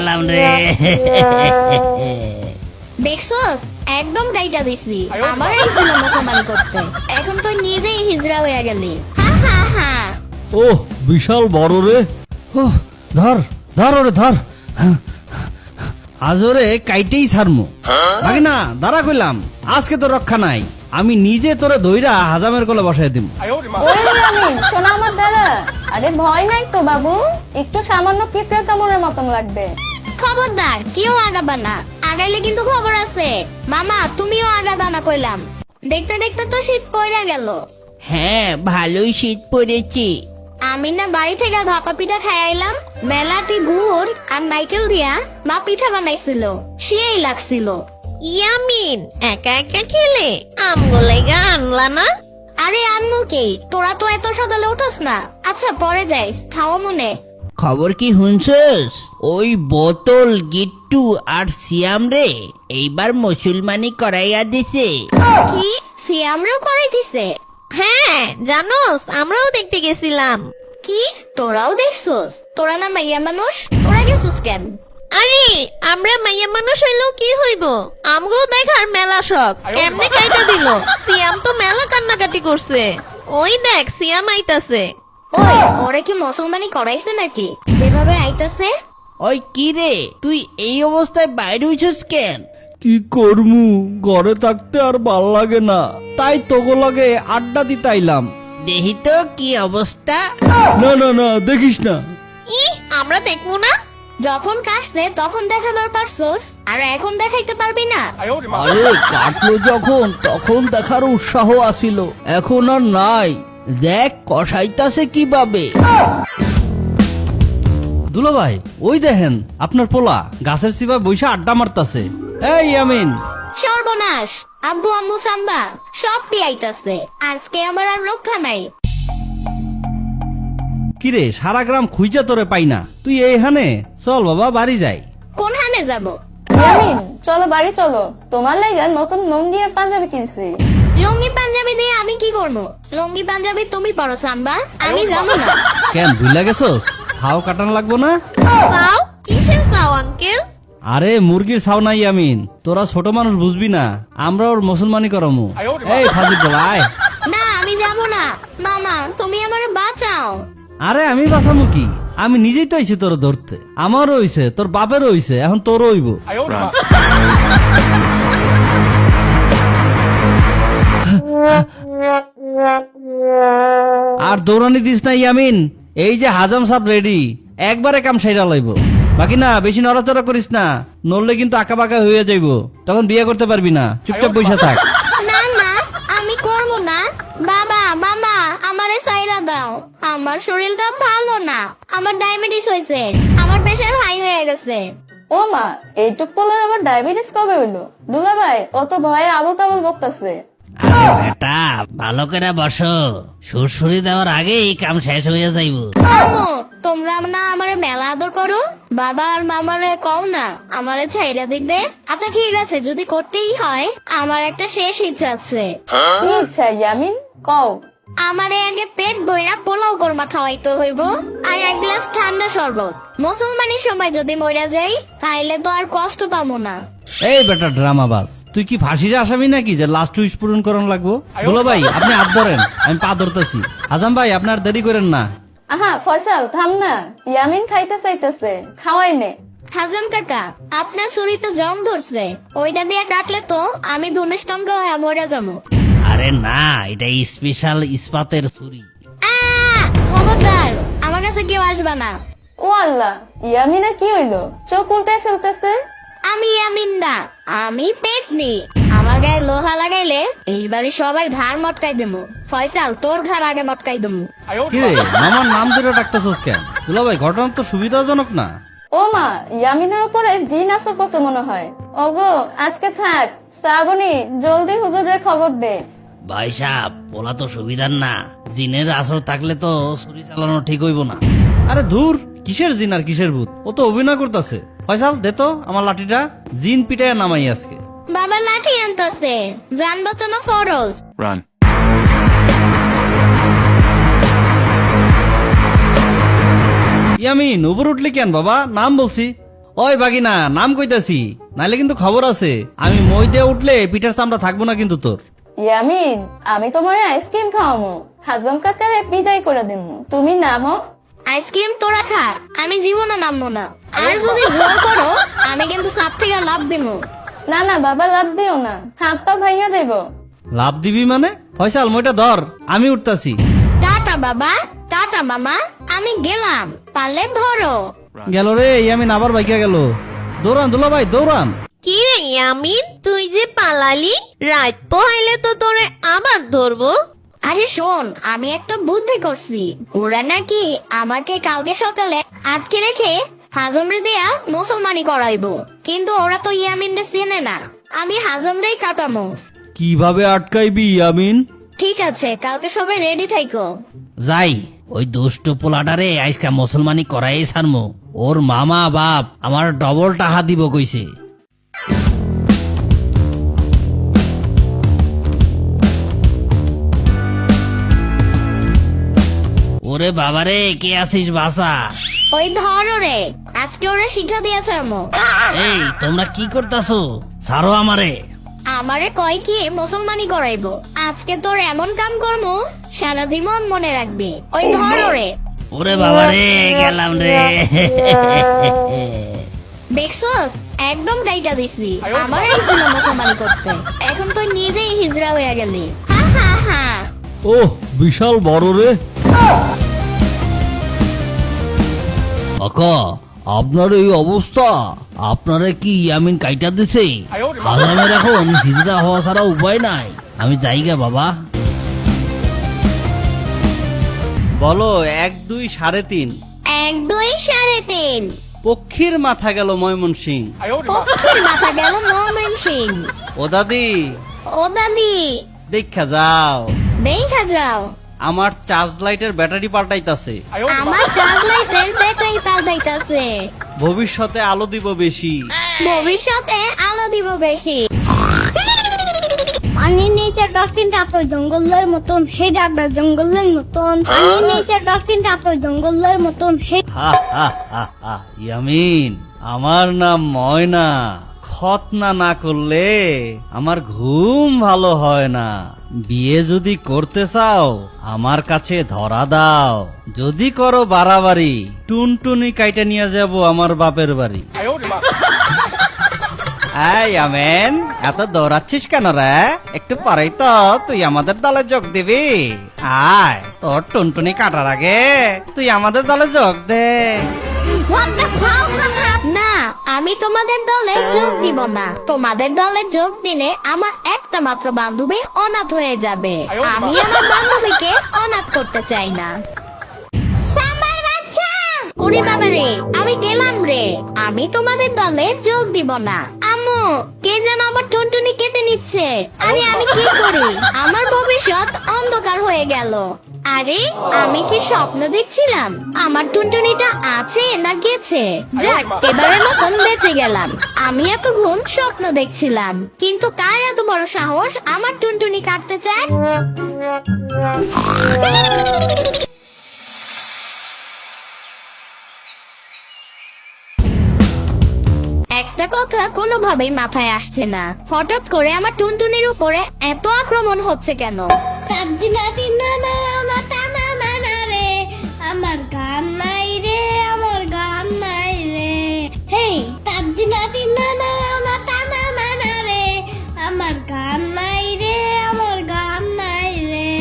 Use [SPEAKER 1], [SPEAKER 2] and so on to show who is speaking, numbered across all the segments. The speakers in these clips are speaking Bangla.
[SPEAKER 1] গেলাম রে।
[SPEAKER 2] দেখছস একদম গাইটা দিছি আমার আইছিল মুসলমানি করতে এখন তো নিজেই হিজড়া হয়ে গেলি হা হা হা
[SPEAKER 3] ওহ বিশাল বড় রে। ওহ, ধর ধর ওরে ধর। আজ ওরে কাইটেই ছাড়মু। বাকি না দাঁড়া কইলাম, আজকে তো রক্ষা নাই, আমি নিজে তোরে ধইরা হাজামের কোলে বসাই দিম।
[SPEAKER 4] ওরে ইয়ামিন শোনা আমার দ্বারা, আরে ভয় নাই তো বাবু, একটু সামান্য পিঁপড়ে কামড়ের মতন লাগবে।
[SPEAKER 2] খবরদার কেউ আগাবা না, আগাইলে কিন্তু খবর আছে। মামা তুমিও আগাবা না কইলাম। দেখতে দেখতে তো শীত পড়ে গেল।
[SPEAKER 1] হ্যাঁ ভালোই শীত পড়েছে।
[SPEAKER 2] আমি না বাড়ি থেকে ভাপা পিঠা খাইলাম, মেলাটি গুড় আর নাইকেল দিয়া মা পিঠা বানাইছিল, সেই লাগছিল।
[SPEAKER 5] ইয়ামিন একা একা খেলে আমগুলাইগা আনলা না?
[SPEAKER 2] আরে আনমু কি, তোরা তো এত সকালে উঠোস না। আচ্ছা পরে যাইস, খাওয়া মনে।
[SPEAKER 1] খবর কি শুনছস? ওই বোতল গিট্টু আর সিয়াম রে এইবার মুসলমানি করাইয়া দিছে।
[SPEAKER 2] কি সিয়ামরেও করে দিছে?
[SPEAKER 5] হ্যাঁ জানোস, আমরাও দেখতে গেছিলাম।
[SPEAKER 2] কি তোরাও দেখছস? তোরা না মাইয়া মানুষ, তোরা গেছস কেন?
[SPEAKER 5] আরে আমরা মাইয়া মানুষ হইলেও কি হইব, আমগো দেখার মেলা শখ। কেমনে কাইটা দিল, সিয়াম তো মেলা কান্নাকাটি করছে। ওই দেখ সিয়াম আইতাছে।
[SPEAKER 2] ওই ওরে কি মুসলমানি করাইছে নাকি যেভাবে আইতাছে?
[SPEAKER 1] ওই কি রে, তুই এই অবস্থায় বাইরে হইছস কেন?
[SPEAKER 3] কি করমু, ঘরে থাকতে আর ভাল লাগে না, তাই তোগো লাগে আড্ডা দিতে আইলাম।
[SPEAKER 1] দেখি তো কি অবস্থা।
[SPEAKER 3] না না না দেখিস না।
[SPEAKER 5] ই আমরা দেখবো না?
[SPEAKER 2] যখন কাশছে তখন দেখাবার পারছস, আর এখন দেখাইতে পারবি না?
[SPEAKER 3] আরে কাটলো যখন তখন দেখার উৎসাহ আসিল, এখন আর নাই।
[SPEAKER 1] দেখ কষাইতাছে কিভাবে।
[SPEAKER 3] দুলা ভাই ওই দেখেন আপনার পোলা গাছের চিপা বইসা আড্ডা মারতাছে। এই ইয়ামিন,
[SPEAKER 2] সর্বনাশ, আব্বু আম্মু সাম্বা সব আইতাছে, আজকে আমার আর রক্ষা নাই।
[SPEAKER 3] কিরে সারা গ্রাম খুঁজা তোরে পাই না, তুই এইখানে চল বাবা বাড়ি যাই।
[SPEAKER 2] কোন হানে যাব?
[SPEAKER 4] ইয়ামিন চলো বাড়ি চলো, তোমার লাগে নতুন লুঙ্গি আর পাঞ্জাবি কিনছি।
[SPEAKER 2] লুঙ্গি পাঞ্জাবি দিয়ে আমি কি করবো? লুঙ্গি পাঞ্জাবি তুমি পরো সাম্বা, আমি যাবো না।
[SPEAKER 3] কেন ভুলা গেছস? ছাও কাটানো লাগবো না?
[SPEAKER 5] চাও? কিসের চাও আঙ্কেল?
[SPEAKER 3] আরে মুরগির ছাও নাই ইয়ামিন, তোরা ছোট মানুষ বুঝবি না, আমরা ওর মুসলমানি করামু। এই ফাজিল বলা আয়।
[SPEAKER 2] না আমি যাবো না। মামা তুমি আমারে বাঁচাও।
[SPEAKER 3] আরে আমি বাঁচামু কি, আমি নিজেই তো আইছি তোর ধরতে। আমারও হইছে, তোর বাপেরও হইছে, এখন তোরও হইব। আর দৌড়ানি দিস না ইয়ামিন, এই যে হাজাম সাপ রেডি, একবারে কাম সাইরা লাইব। বাকি না বেশি নড়াচড়া করিস না, নড়লে কিন্তু আঁকা বাঁকা হয়ে যাইব, তখন বিয়ে করতে পারবি না। চুপচাপ বসে থাক।
[SPEAKER 2] না না আমি করবো না। বাবা মামা আমারে সাইরা দাও, আমার শরীরটা ভালো না, আমার ডায়াবেটিস হয়েছে, আমার প্রেশার হাই হয়ে গেছে।
[SPEAKER 4] ও মা, এইটুক পোলা আবার ডায়াবেটিস কবে হইলো? দুলা ভাই অত ভয়ে আবল তাবল বকতাছে।
[SPEAKER 1] আরে বেটা ভালো করে বসো, সুরসুরি দেওয়ার আগেই কাম শেষ হয়ে যাইব।
[SPEAKER 2] আম্মু তোমরা না আমারে মেলা আদর করো, বাবা আর মামারে কও না আমারে ছাইরা দিতে। আচ্ছা ঠিক আছে, যদি করতেই হয় আমার একটা শেষ ইচ্ছা আছে।
[SPEAKER 4] কি ইচ্ছা ইয়ামিন, কও।
[SPEAKER 2] আমারে আগে পেট বইরা পোলাও কোরমা খাওয়াইতে হইব, আর এক গ্লাস ঠান্ডা শরবত। মুসলমানের সময় যদি মরে যাই তাইলে তো আর কষ্ট পাবো না।
[SPEAKER 3] এই বেটা ড্রামা বাস, তুই কি ফাঁসির আসামি নাকি যে লাস্ট উইশ পূরণ করান লাগবো? দুলা ভাই আপনি হাত ধরেন, আমি পা ধরতেছি। আজাম ভাই আপনার দেরি করেন না।
[SPEAKER 4] আহা ফয়সাল থাম না, ইয়ামিন খাইতে চাইতেছে, খাওয়াই নে।
[SPEAKER 2] হাজাম কাকা আপনার শরীরতে জং ধরছে, ওইটা দিয়ে কাটলে তো আমি ধনুষ্টঙ্গ হয়ে মরে যাবো।
[SPEAKER 1] আরে না, এটা স্পেশাল ইস্পাতের ছুরি।
[SPEAKER 2] খবরদার আমার কাছে কেউ আসবা না।
[SPEAKER 4] ও আল্লাহ, ইয়ামিনা কি হইলো, চোখ উল্টায় ফেলতেছে।
[SPEAKER 2] আমি আমিন না, আমি পেটনি। আমার গায়ে লোহা লাগাইলে এইবারে সবাই ঘাড় মটকাই দেবো। ফয়সাল তোর ঘাড় আগে মটকাই দেবো।
[SPEAKER 3] কিরে মামার নাম ধরে ডাকতেছস কেন? দুলা ভাই ঘটনা তো সুবিধাজনক না।
[SPEAKER 4] ও মা, ইয়ামিনের উপরে জিন আসর পড়ছে মনে হয়। ওগো আজকে থাক, শ্রাবণী জলদি হুজুরে খবর দে।
[SPEAKER 1] ভাই সাহেব বলা তো সুবিধার না, জিনের আসর থাকলে তো ছুরি চালানো ঠিক হইব না।
[SPEAKER 3] আরে ধুর, কিসের জিন আর কিসের ভূত, ও তো অভিনয় করতেছে। ফয়সাল দে তো আমার লাঠিটা, জিন পিটায় নামাই আজকে।
[SPEAKER 2] বাবা লাঠি আনতেছে, জান বাঁচানো ফরজ।
[SPEAKER 6] Run.
[SPEAKER 3] ইয়ামিন উপর উঠলি কেন বাবা? নাম বলছি। ওই বাগিনা নাম কইতাছি, নাইলে কিন্তু খবর আছে। আমি মই দিয়ে উঠলে পিঠার চামড়া থাকবো না কিন্তু তোর।
[SPEAKER 4] ইয়ামিন, আমি তোমার আইসক্রিম খাওয়ামো, হাজম কাকারে বিদায় করে দিমু, তুমি নামো।
[SPEAKER 2] আইসক্রিম তোরা খা, আমি জীবনে নামবো না। আর যদি জোর করো আমি কিন্তু সাপ থেকে লাভ দিবো।
[SPEAKER 4] না না বাবা, লাভ দিও না, হাত পা ভাইয়া যাইব।
[SPEAKER 3] লাভ দিবি মানে? ফয়সাল মইটা ধর, আমি উঠতাছি।
[SPEAKER 2] টাটা বাবা, টাটা মামা, আমি গেলাম, পারলে ধরো।
[SPEAKER 3] গেল রে ইয়ামিন, আবার বাইকা গেল। দৌড়ান দুলা ভাই দৌড়ান।
[SPEAKER 5] কি রে ইয়ামিন, তুই যে পালালি, রাত পোহাইলে তো তোরে আবার ধরবো।
[SPEAKER 2] আরে শোন, আমি একটা বুদ্ধি করছি। ওরা নাকি আমাকে কালকে সকালে আটকে রেখে হাজমরে দেয়া মুসলমানি করাইবো, কিন্তু ওরা তো ইয়ামিনরে চেনে না। আমি হাজমরেই কাটামো।
[SPEAKER 3] কিভাবে আটকাইবি ইয়ামিন?
[SPEAKER 2] ঠিক আছে, কালকে সবাই রেডি থাইকো।
[SPEAKER 1] যাই, ওই দুষ্ট পোলাটারে আজকা মুসলমানি করাই ছাড়মু। ওর মামা বাপ আমার ডবল টাকা দিব কইছে। ওরে বাবারে, কে আছিস বাসা?
[SPEAKER 2] ওই ধরো রে, আজকে ওরা শিক্ষা দিয়েছে আমো।
[SPEAKER 1] এই তোমরা কি করতাছো? ছাড়ো আমারে।
[SPEAKER 2] আমারে কয় কি মুসলমানি করাইবো। আজকে তোর এমন কাম করমু সারা জীবন মনে রাখবি। ওই ধরো রে।
[SPEAKER 1] ওরে বাবারে, গেলাম রে।
[SPEAKER 2] দেখছস, একদম গাইটা দিছি। আমার এই ছিল মুসলমানি করতে, এখন তুই নিজেই হিজড়া হয়ে গেলি। হা হা হা।
[SPEAKER 3] ওহ, বিশাল বড় রে।
[SPEAKER 1] কাকা, আপনার এই অবস্থা, আপনারে কি ইয়ামিন কাইটা দিছে? আজামের এখন হিজড়া হওয়া ছাড়া উপায় নাই। আমি যাইগা বাবা।
[SPEAKER 3] বলো 1 2 3.5।
[SPEAKER 2] 1 2 3.5।
[SPEAKER 3] পক্ষীর মাথা গেল ময়মনসিং।
[SPEAKER 2] পক্ষীর মাথা গেল ময়মনসিং।
[SPEAKER 3] ও দাদি,
[SPEAKER 2] ও দাদি,
[SPEAKER 3] দেখা যাও,
[SPEAKER 2] দেখা যাও,
[SPEAKER 3] আমার চার্জ লাইটের ব্যাটারি পাল্টাইতাছে।
[SPEAKER 2] আমার চার্জ লাইটের ব্যাটারি পাল্টাইতাছে।
[SPEAKER 3] ভবিষ্যতে আলো দিব বেশি।
[SPEAKER 2] ভবিষ্যতে আলো দিব বেশি। পানির নিচে ডলফিনটা তো জঙ্গলের মতন, হে ডাকবে জঙ্গলের মতন। পানির নিচে ডলফিনটা তো জঙ্গলের মতন, হে।
[SPEAKER 3] হা হা হা হা। ইয়ামিন, আমার নাম ময়না। খতনা না করলে আমার ঘুম ভালো হয় না। বিয়ে যদি করতে চাও আমার কাছে ধরা দাও। যদি করো বাড়াবাড়ি, টুনটুনি কাইটা নিয়ে যাব আমার বাপের বাড়ি। এই আমেন, এত দৌড়াচ্ছিস কেন রে? একটু পরেই তো তুই আমাদের দলে যোগ দিবি। আয়, তোর টুনটুনি কাটার আগে তুই আমাদের দলে যোগ দে।
[SPEAKER 2] না, আমি তোমাদের দলে যোগ দিব না। তোমাদের দলে যোগ দিলে আমার একটা মাত্র বান্ধবী অনাথ হয়ে যাবে। আমি আমার বান্ধবীকে অনাথ করতে চাই না। ওরে বাবা রে, আমি গেলাম রে। আমি তোমাদের দলে যোগ দিব না। আম্মু, কে যেন আমার টুনটুনি কেটে নিচ্ছে। আরে আমি কি করি? আমার ভবিষ্যৎ অন্ধকার হয়ে গেল। আরে আমি কি স্বপ্ন দেখছিলাম? আমার টুনটুনিটা আছে না গেছে? যাক, এবারের মতন বেঁচে গেলাম। আমি এতক্ষণ স্বপ্ন দেখছিলাম, কিন্তু কার এত বড় সাহস আমার টুনটুনি কাটতে চায়? একটা কথা কোনোভাবেই মাথায় আসছে না, হঠাৎ করে আমার টুনটুনির উপরে এত আক্রমণ হচ্ছে কেন? আমার গান নাই রে, আমার গান নাই রে। হেই, রে, আমার গান নাই রে, আমার গান নাই রে।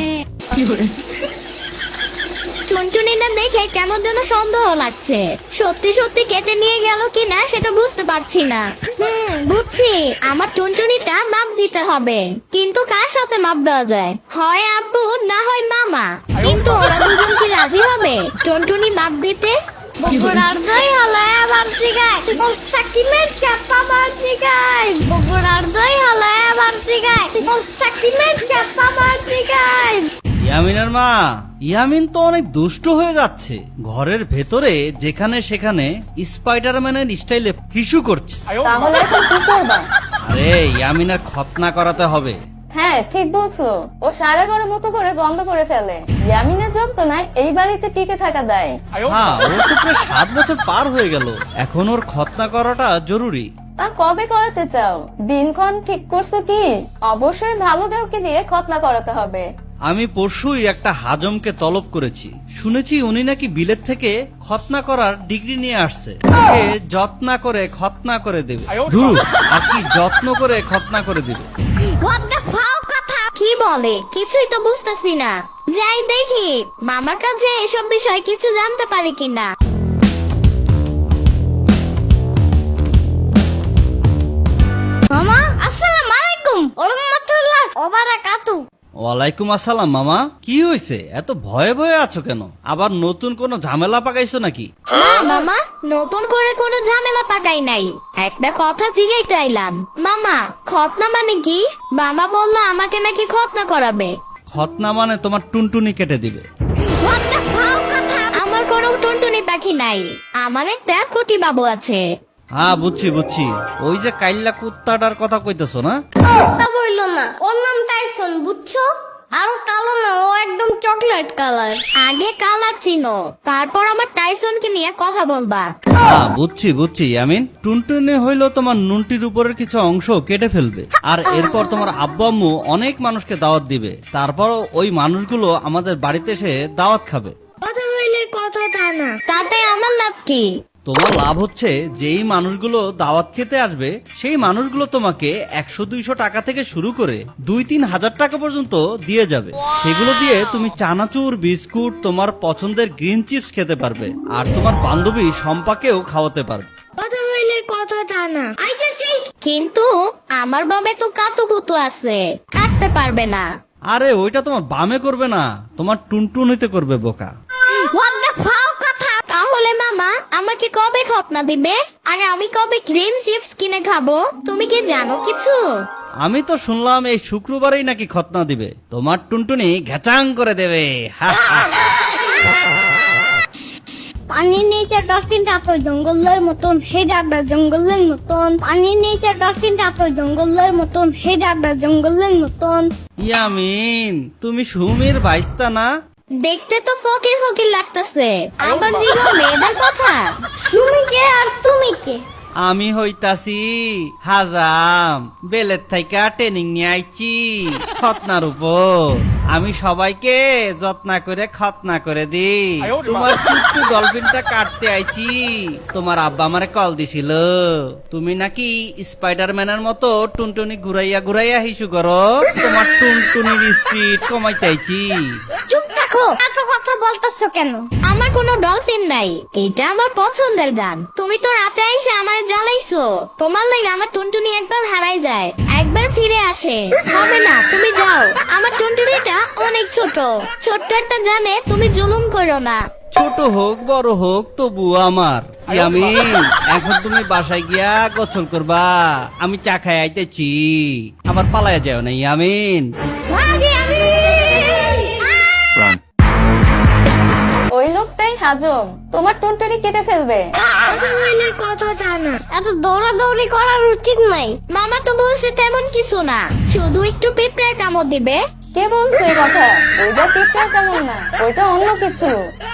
[SPEAKER 2] টুনটুনিটা দেখে কেমন যেন সন্দেহ লাগছে। সত্যি সত্যি কেটে নিয়ে গেল কিনা সেটা বুঝতে পারছি না। বুঝছি, আমার টুনটুনিটা মাপ দিতে হবে। কিন্তু কার সাথে মাপ দেওয়া যায়? হয় আব্বু, না হয় মামা। কিন্তু ওরা দুজন কি রাজি হবে টুনটুনি মাপ দিতে? বগুড়ার দই হলায় আবার জিগায়, মুস্তাকিমের চাপা মার জিগায়। বগুড়ার দই হলায় আবার জিগায়, মুস্তাকিমের চাপা মার জিগায়।
[SPEAKER 3] ইয়ামিনের মা, ইয়ামিন তো অনেক দুষ্ট হয়ে যাচ্ছে। ঘরের ভেতরে যেখানে সেখানে স্পাইডারম্যানের স্টাইলে হিসু করছে।
[SPEAKER 4] তাহলে এখন কি করবা?
[SPEAKER 3] আরে ইয়ামিনের খতনা করাতে হবে।
[SPEAKER 4] হ্যাঁ ঠিক বলছো, ও সারা ঘরের মতো করে গন্ধ করে ফেলে। ইয়ামিনের যন্ত্রণায় এই বাড়িতে টিকে থাকা দেয়।
[SPEAKER 3] হ্যাঁ, ওর তো প্রায় 7 বছর পার হয়ে গেল, এখন ওর খতনা করাটা জরুরি।
[SPEAKER 4] তা কবে করাতে চাও? দিনক্ষণ ঠিক করছো কি? অবশ্যই ভালো কাউকে দিয়ে খতনা করাতে হবে।
[SPEAKER 3] আমি পরশুই একটা হাজমকে তলব করেছি, শুনেছি উনি নাকি বিলেত থেকে খতনা করার ডিগ্রি নিয়ে আসছে। ওকে যত্ন করে খতনা করে দেবে। ধুর, আর কি যত্ন করে খতনা করে দিবে।
[SPEAKER 2] What the fuck কথা কি বলে কিছুই তো বুঝতেছি না। যাই দেখি মামার কাছে এসব বিষয় কিছু জানতে পারি কিনা। মামা আসসালামু আলাইকুম ওয়া রাহমাতুল্লাহি ওয়া বারাকাতুহু।
[SPEAKER 3] ওয়ালাইকুম আসসালাম। মামা, কি হয়েছে? এত ভয়ে ভয়ে আছো কেন? আবার নতুন কোনো ঝামেলা পাকাইছো নাকি?
[SPEAKER 2] না মামা, নতুন করে কোনো ঝামেলা পাকাই নাই, একটা কথা জিজ্ঞাইতে আইলাম। মামা খতনা মানে কি? মামা বললো আমাকে নাকি খতনা করাবে।
[SPEAKER 3] খতনা মানে তোমার টুনটুনি কেটে দিবে।
[SPEAKER 2] What the fuck কথা? আমার কোনো টুনটুনি পাখি নাই, আমার একটা কুটি বাবু আছে।
[SPEAKER 3] হ্যাঁ বুঝছি বুঝছি, ওই যে কাইল্লা কুত্তাটার কথা কইতেছো না?
[SPEAKER 2] তা বললো না, ওর নাম টাইসন, বুঝছো? আর কালো না, ও একদম চকলেট কালার। আগে কালার চিনো, তারপর আমার টাইসনকে নিয়ে কথা বলবা।
[SPEAKER 3] হ্যাঁ বুঝছি বুঝছি ইয়ামিন, টুনটুনি হইলো তোমার নুনটির উপরের কিছু অংশ কেটে ফেলবে, আর এরপর তোমার আব্বু আম্মু অনেক মানুষকে দাওয়াত দিবে, তারপর ওই মানুষগুলো আমাদের বাড়িতে এসে দাওয়াত খাবে।
[SPEAKER 2] কথা বললে কথা তা না, তাতে আমার লাভ কি?
[SPEAKER 3] তোমার লাভ হচ্ছে যেই মানুষগুলো দাওয়াত খেতে আসবে সেই মানুষগুলো তোমাকে 100-200 টাকা থেকে শুরু করে 2-3 হাজার টাকা পর্যন্ত দিয়ে যাবে। সেগুলো দিয়ে তুমি চানাচুর, বিস্কুট, তোমার পছন্দের গ্রিন চিপস খেতে পারবে, আর তোমার বান্ধবী সম্পাকেও খাওয়াতে পারবে।
[SPEAKER 2] কথা বললে কথা তা না। কিন্তু আমার বাবা তো কাতুকুতু আছে, কাটতে পারবে না।
[SPEAKER 3] আরে ওইটা তোমার বামে করবে না, তোমার টুনটুনিতে করবে বোকা।
[SPEAKER 2] What the fuck কথা? তাহলে মামা আমাকে কবে খতনা দিবে? আরে আমি কবে গ্রিন চিপস কিনে খাবো? তুমি কি জানো কিছু?
[SPEAKER 3] আমি তো শুনলাম এই শুক্রবারেই নাকি খতনা দিবে, তোমার টুনটুনি ঘ্যাচাং করে দেবে। হা হা।
[SPEAKER 2] পানির নিচে ডলফিনটা তো জঙ্গলের মতন, হে ডাকটা জঙ্গলের মতন। পানির নিচে ডলফিনটা তো জঙ্গলের মতন, হে ডাকটা জঙ্গলের মতন।
[SPEAKER 3] ইয়ামিন, তুমি সুমির বাইস্তা না?
[SPEAKER 2] দেখতে তো ফকির ফকির লাগতেছে, আবার জিগো মেয়েদের কথা। তুমি কে আর তুমি কে?
[SPEAKER 3] আমি হইতাছি হাজাম, বেলের থাইকা ট্রেনিং নিয়ে আইছি খতনার উপর। আমি সবাইকে যত্ন করে খতনা করে দিই। তোমার চুট্টু ডলফিনটা কাটতে আইছি, তোমার আব্বা আমারে কল দিছিল, তুমি নাকি স্পাইডারম্যানের মতো টুনটুনি ঘুরাইয়া ঘুরাইয়া হিসু করো, তোমার টুনটুনির স্পিড কমাইতে আইছি।
[SPEAKER 2] চুপ থাকো, এত কথা বলতেছো কেন? আমার কোনো ডলফিন নাই, এটা আমার পছন্দের গান। তুমি তো রাতে এসে আমার জ্বালাইছো, তোমার লাগে আমার টুনটুনি একবার হারাই যায়, একবার ফিরে আসে। হবে না, তুমি যাও। আমার টুনটুনিটা অনেক ছোট, ছোট্ট একটা জানে, তুমি জুলুম করো না।
[SPEAKER 3] ছোট হোক বড় হোক তবু আমার। ইয়ামিন, এখন তুমি বাসায় গিয়া গোসল করবা, আমি চা খাই আইতেছি, আবার পালায়া যাও না ইয়ামিন।
[SPEAKER 4] ওই লোকটাই হাজম, তোমার টুনটুনি কেটে ফেলবে।
[SPEAKER 2] কথা তা না, এত দৌড়াদৌড়ি করার উচিত নাই। মামা তো বলছে তেমন কিছু না, শুধু একটু পিঁপড়ার কামড় দিবে।
[SPEAKER 4] কে বলছে এই কথা? ওইটা পিঁপড়া তেমন না, ওইটা অন্য কিছু।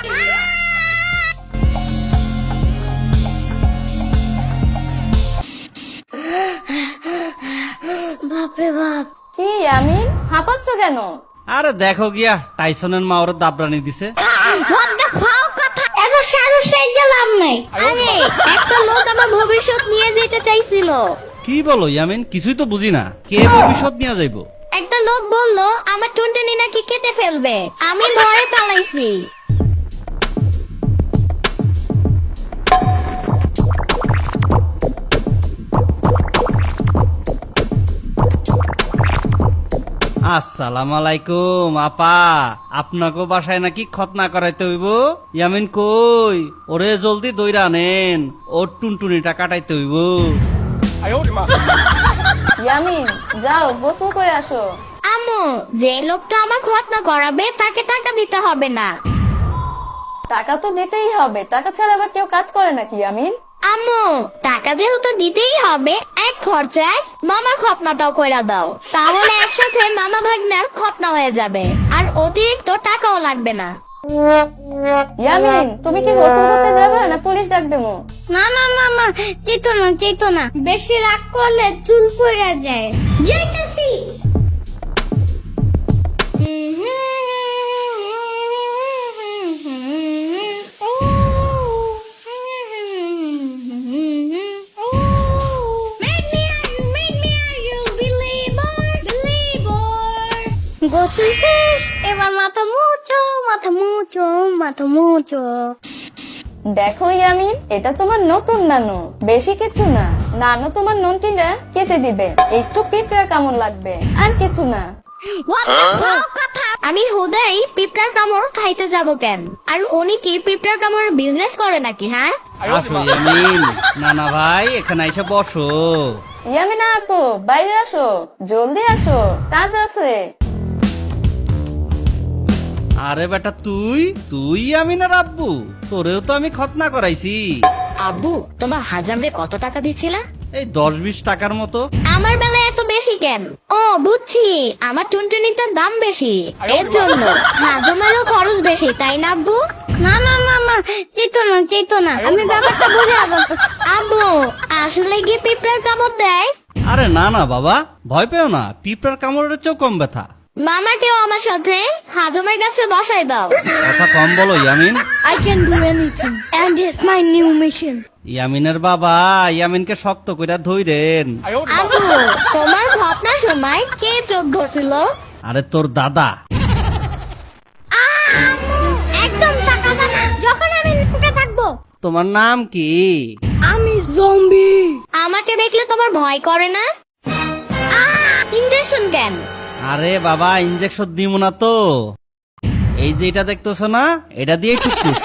[SPEAKER 2] বাপরে বাপ।
[SPEAKER 4] কি ইয়ামিন, হাঁপাচ্ছ কেন?
[SPEAKER 3] আরে দেখো গিয়া টাইসনের মা ওর দাবরানি দিছে।
[SPEAKER 2] What the fuck কথা? এত সাহস সাইজে লাভ নাই। আরে একটা লোক আমার ভবিষ্যৎ নিয়ে যেতে চাইছিল।
[SPEAKER 3] কি বলো ইয়ামিন, কিছুই তো বুঝি না, কে ভবিষ্যৎ নিয়ে যাইবো?
[SPEAKER 2] একটা লোক বললো আমার টুনটুনি নাকি কেটে ফেলবে, আমি ভয়ে পালাইছি।
[SPEAKER 3] আসসালামু আলাইকুম আপা, আপনাকে বাসায় নাকি খতনা করাইতে হইব? ইয়ামিন কই? ওরে জলদি দইরা আনেন, ওর টুনটুনিটা কাটাইতে হইব।
[SPEAKER 4] ইয়ামিন যাও গোসল করে আসো।
[SPEAKER 2] আম্মু, যে লোকটা আমার খতনা করাবে তাকে টাকা দিতে হবে না।
[SPEAKER 4] টাকা তো দিতেই হবে, টাকা ছাড়া আবার কেউ কাজ করে নাকি ইয়ামিন?
[SPEAKER 2] আম্মু, টাকা যেহেতু দিতেই হবে, এক খরচায় মামার খতনাটাও কইরা দাও, তাহলে একসাথে মামা ভাগ্নার খতনা হয়ে যাবে আর অতিরিক্ত টাকাও লাগবে না।
[SPEAKER 4] ইয়ামিন, তুমি কি গোসল করতে যাবে না পুলিশ ডাক দেবো?
[SPEAKER 2] না না না না, চেতো না, বেশি রাগ করলে চুল পড়ে যায়। যাইতাছি। গোসল শেষ, এবার মাথা মুছো।
[SPEAKER 4] দেখো ইয়ামিন, এটা তোমার নতুন নানু, বেশি কিছু না। নানু তোমার ননটিটা কেটে দিবে, একটু পিঁপড়ার কামড় লাগবে, আর কিছু না।
[SPEAKER 2] আমি হুদাই পিঁপড়ার কামড় খাইতে যাব কেন? আর উনি কি পিঁপড়ার কামড় বিজনেস করে নাকি? হ্যাঁ,
[SPEAKER 3] আসো ইয়ামিন, নানা ভাই এখানে এসে বসো।
[SPEAKER 4] ইয়ামিনা আপু, বাইরে আসো, জলদি আসো, কাজ আছে।
[SPEAKER 3] আরে বেটা, তুই ইয়ামিনের আব্বু? তোরেও তো আমি খতনা করাইছি।
[SPEAKER 2] আব্বু, তোমার হাজামরে কত টাকা দিছিলা?
[SPEAKER 3] এই 10-20 টাকার মতো।
[SPEAKER 2] আমার বেলায় এত বেশি কেন? ও বুঝছি, আমার টুনটুনিটার দাম বেশি, এর জন্য হাজমেরও খরচ বেশি, তাই না আব্বু? না না না না, চেতো না, আমি ব্যাপারটা বুঝে আব্বু, আসলে কি পিঁপড়ার কামড় দেয়?
[SPEAKER 3] আরে না না বাবা, ভয় পেও না, পিঁপড়ার কামড়ের চেয়েও কম ব্যথা।
[SPEAKER 2] মামাকেও আমার সাথে হাজমের কাছে বসাই দাও।
[SPEAKER 3] কথা কম বলো Yamin.
[SPEAKER 2] I can do anything and it's my new mission.
[SPEAKER 3] ইয়ামিনের বাবা ইয়ামিনকে শক্ত কইরা ধইরেন।
[SPEAKER 2] আব্বু, তোমার ঘটনার সময় কে চোখ ধরছিল?
[SPEAKER 3] আরে তোর দাদা।
[SPEAKER 2] একদম তাকাবা না, যখন আমি লুকে থাকবো।
[SPEAKER 3] তোমার নাম কি?
[SPEAKER 2] আমি জম্বি। আমাকে দেখলে তোমার ভয় করে না? ইনজেকশন কেন?
[SPEAKER 3] আরে বাবা, ইনজেকশন দিব না তো, এই যে এটা দেখতেছো না, এটা দিয়ে টুকুস।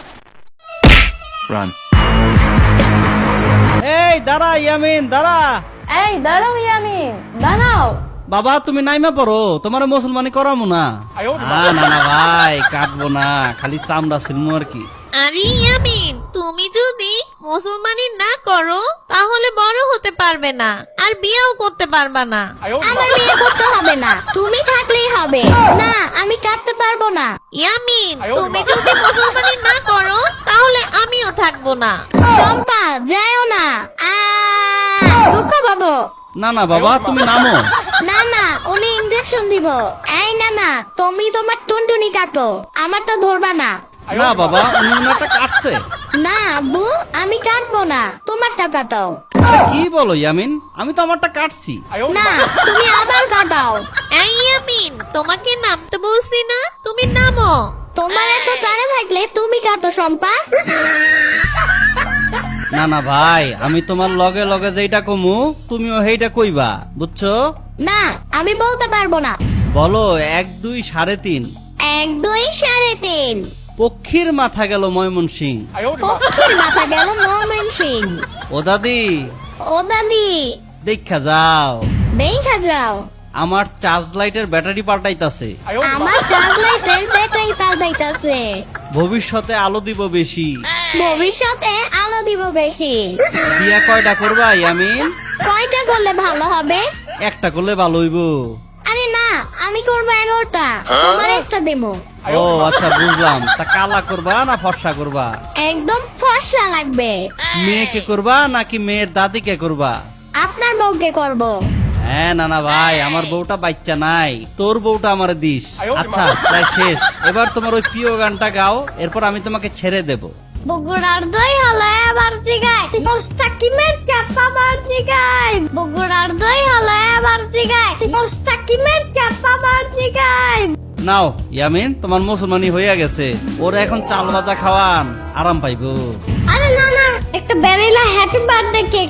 [SPEAKER 3] এই দাঁড়া ইয়ামিন, দাঁড়া।
[SPEAKER 4] এই দাঁড়াও ইয়ামিন, দাঁড়াও।
[SPEAKER 3] বাবা তুমি নাইমা পড়ো, তোমার মুসলমানি করামু না। না না ভাই, কাটবো না, খালি চামড়া ছিলমু আর কি।
[SPEAKER 5] আরে ইয়ামিন, তুমি যদি মুসলমানি না করো তাহলে বড় হতে পারবে না আর বিয়েও করতে পারবা না।
[SPEAKER 2] আমার বিয়ে করতে হবে না, তুমি থাকলেই হবে। না, আমি কাটতে পারবো না।
[SPEAKER 5] ইয়ামিন, তুমি যদি মুসলমানি না করো তাহলে আমিও থাকবো না।
[SPEAKER 2] চম্পা, যাও না। দুঃখ পাবো।
[SPEAKER 3] না না বাবা, তুমি নামো।
[SPEAKER 2] না না, উনি ইনজেকশন দিব। এই না না, তুমি তোমার টুনটুনি কাটো, আমারটা ধরবা না।
[SPEAKER 3] না বাবা, উনি ওনারটা কাটছে।
[SPEAKER 2] না আব্বু, আমি কাটবো না, তোমারটা কাটাও।
[SPEAKER 3] আরে কি বলো ইয়ামিন, আমি তো আমারটা কাটছি।
[SPEAKER 2] না, তুমি আবার কাটাও।
[SPEAKER 5] এই ইয়ামিন, তোমাকে নামতে বলছি না, তুমি নামো।
[SPEAKER 2] তোমার এত জানা থাকলে তুমি কাটো শম্পা।
[SPEAKER 3] না না ভাই, আমি তোমার লগে লগে যেটা কমু তুমিও সেইটা কইবা, বুঝছো?
[SPEAKER 2] না, আমি বলতে পারবো না।
[SPEAKER 3] বলো 1 2 3.5।
[SPEAKER 2] 1 2 3.5।
[SPEAKER 3] পক্ষীর মাথা গেল ময়মনসিং।
[SPEAKER 2] পক্ষীর মাথা গেল ময়মনসিং।
[SPEAKER 3] ও দাদি,
[SPEAKER 2] ও দাদি,
[SPEAKER 3] দেখা যাও,
[SPEAKER 2] দেখা যাও,
[SPEAKER 3] আমার চার্জ লাইটের ব্যাটারি পাল্টাইতাছে।
[SPEAKER 2] আমার চার্জ লাইটের ব্যাটারি পাল্টাইতাছে।
[SPEAKER 3] ভবিষ্যতে আলো দিব বেশি।
[SPEAKER 2] ভবিষ্যতে আলো দিব বেশি।
[SPEAKER 3] বিয়া কয়টা করবা ইয়ামিন?
[SPEAKER 2] কয়টা করলে ভালো হবে?
[SPEAKER 3] একটা করলে ভালো হইব।
[SPEAKER 2] আরে না, আমি করবো 11টা, তোমার একটা দেবো।
[SPEAKER 3] ও আচ্ছা, বুঝলাম। তা কালা করবা না ফর্সা করবা?
[SPEAKER 2] একদম ফর্সা লাগবে।
[SPEAKER 3] মেয়েকে করবা নাকি মেয়ের দাদিকে করবা?
[SPEAKER 2] আপনার বউকে করবো।
[SPEAKER 3] হ্যাঁ না না ভাই, আমার বউটা বাচ্চা নাই, তোর বউটা আমার দিস। আচ্ছা প্রায় শেষ, এবার তোমার ওই প্রিয় গানটা গাও, এরপর আমি তোমাকে ছেড়ে দেব।
[SPEAKER 2] বগুড়ার দই হলো এবার জিগায়, মোস্তাকিমের চাপা বার জিগায়। বগুড়ার দই হলো এবার জিগায়, মোস্তাকিমের চাপা বার জিগায়।
[SPEAKER 3] নাও ইয়ামিন, তোমার মুসলমানি হইয়া গেছে, ওর এখন চাল ভাজা খাওয়ান, আরাম পাইবো।
[SPEAKER 2] আরে না না, একটা ভ্যানিলা হ্যাপি বার্থডে কেক।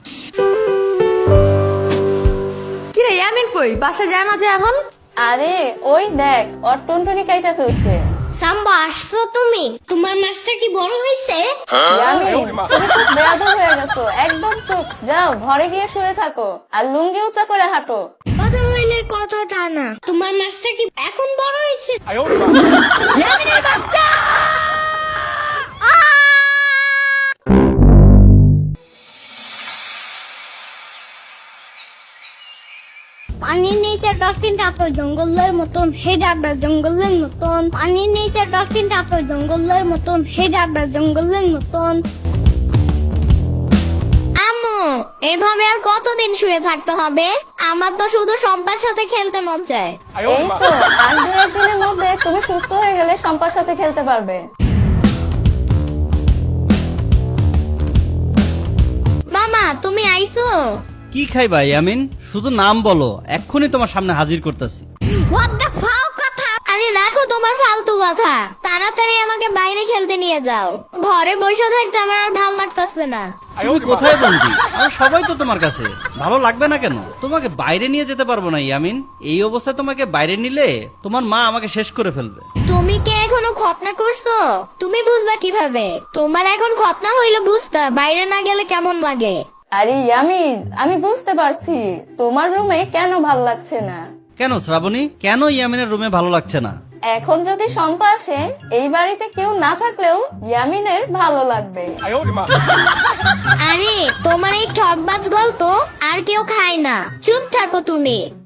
[SPEAKER 4] কিরে ইয়ামিন কই, বাসা যায় না যে এখন? আরে ওই দেখ, ওর টুনটুনি কাইটা ফেলছে।
[SPEAKER 2] সাম্বা, আসছো তুমি? তোমার মাছটা কি বড় হয়েছে?
[SPEAKER 4] ইয়ামিন, তুমি খুব বেয়াদব হয়ে গেছো, একদম চুপ। যাও ঘরে গিয়ে শুয়ে থাকো আর লুঙ্গি উঁচা করে হাঁটো।
[SPEAKER 2] কথা হইলে কথা তা না, তোমার মাছটা কি এখন বড় হয়েছে?
[SPEAKER 4] ইয়ামিনের বাচ্চা!
[SPEAKER 2] পানির নিচে ডলফিনটা তো জঙ্গলের মতন, হে যাবে জঙ্গলের মতন। পানির নিচে ডলফিনটা তো জঙ্গলের মতন, হে যাবে জঙ্গলের মতন। আম্মু, এভাবে আর কতদিন শুয়ে থাকতে হবে? আমার তো শুধু সম্পার সাথে খেলতে মন চায়।
[SPEAKER 4] এই তো আর 2-1 দিনের মধ্যে তুমি সুস্থ হয়ে গেলে সম্পার সাথে খেলতে পারবে।
[SPEAKER 2] মামা, তুমি আইছো?
[SPEAKER 3] কি খাইবা ইয়ামিন? শুধু নাম বলো, এক্ষুনি তোমার সামনে হাজির করতেছি।
[SPEAKER 2] What the fuck কথা? আরে রাখো তোমার ফালতু কথা, তাড়াতাড়ি আমাকে বাইরে খেলতে নিয়ে যাও। ঘরে বসে থাকতে আমার আর ভালো লাগতেছে না।
[SPEAKER 3] তুমি কোথায় বন্দি? আর সবাই তো তোমার কাছে, ভালো লাগবে না কেন? তোমাকে বাইরে নিয়ে যেতে পারবো না ইয়ামিন। এই অবস্থায় তোমাকে বাইরে নিলে তোমার মা আমাকে শেষ করে ফেলবে।
[SPEAKER 2] তুমি কি এখনো খতনা করছো? তুমি বুঝবা কিভাবে? তোমার এখন খতনা হইলে বুঝতা বাইরে না গেলে কেমন লাগে।
[SPEAKER 4] আরে ইয়ামিন, আমি বুঝতে পারছি তোমার রুমে কেন ভালো লাগছে না।
[SPEAKER 3] কেন শ্রাবণী, কেন ইয়ামিনের রুমে ভালো লাগছে না?
[SPEAKER 4] এখন যদি সম্পা আসে, এই বাড়িতে কেউ না থাকলেও ইয়ামিনের ভালো লাগবে।
[SPEAKER 2] আরে তোমার এই ঠকবাজ গল্প আর কেউ খায় না, চুপ থাকো তুমি।